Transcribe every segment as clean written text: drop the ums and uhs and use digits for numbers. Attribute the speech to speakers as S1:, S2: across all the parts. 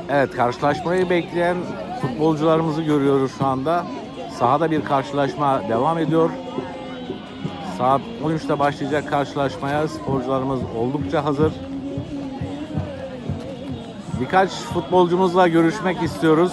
S1: Evet, karşılaşmayı bekleyen futbolcularımızı görüyoruz şu anda. Sahada bir karşılaşma devam ediyor. Saat 13'te başlayacak karşılaşmaya sporcularımız oldukça hazır. Birkaç futbolcumuzla görüşmek istiyoruz.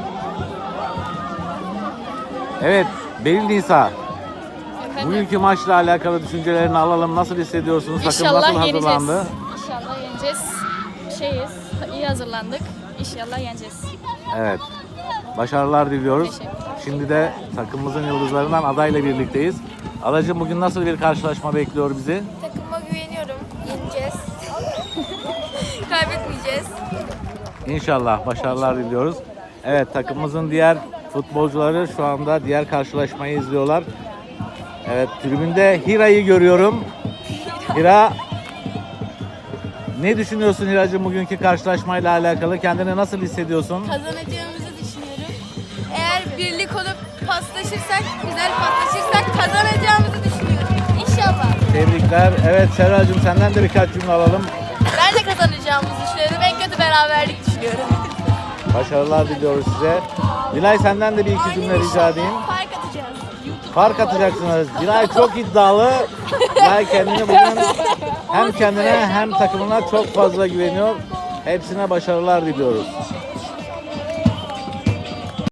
S1: Evet, Beril Nisa, bugünkü maçla alakalı düşüncelerini alalım. Nasıl hissediyorsunuz? Takım nasıl hazırlandı?
S2: İnşallah yeneceğiz. İyi hazırlandık. İnşallah yeneceğiz.
S1: Evet, başarılar diliyoruz.
S2: Teşekkürler.
S1: Şimdi de takımımızın yıldızlarından adayla birlikteyiz. Adacığım, bugün nasıl bir karşılaşma bekliyor bizi?
S3: Takıma güveniyorum. Yeneceğiz. Kaybetmeyeceğiz.
S1: İnşallah başarılar diliyoruz. Evet, takımımızın diğer futbolcuları şu anda diğer karşılaşmayı izliyorlar. Evet, tribünde Hira'yı görüyorum. Hira, ne düşünüyorsun Hiracığım bugünkü karşılaşmayla alakalı? Kendini nasıl hissediyorsun?
S3: Kazanacağımızı düşünüyorum. Eğer birlik olup paslaşırsak, güzel paslaşırsak kazanacağımızı düşünüyorum. İnşallah.
S1: Tebrikler. Evet Serracığım, senden de birkaç cümle alalım.
S3: Ben de kazanacağımızı düşünüyorum. En kötü beraberlik düşünüyorum.
S1: Başarılar diliyoruz size. Dilay, senden de bir iki cümle rica edeyim.
S3: Fark atacağız.
S1: Fark atacaksınız. Dilay çok iddialı. Dilay kendini bugün hem kendine hem takımına çok fazla güveniyor. Hepsine başarılar diliyoruz.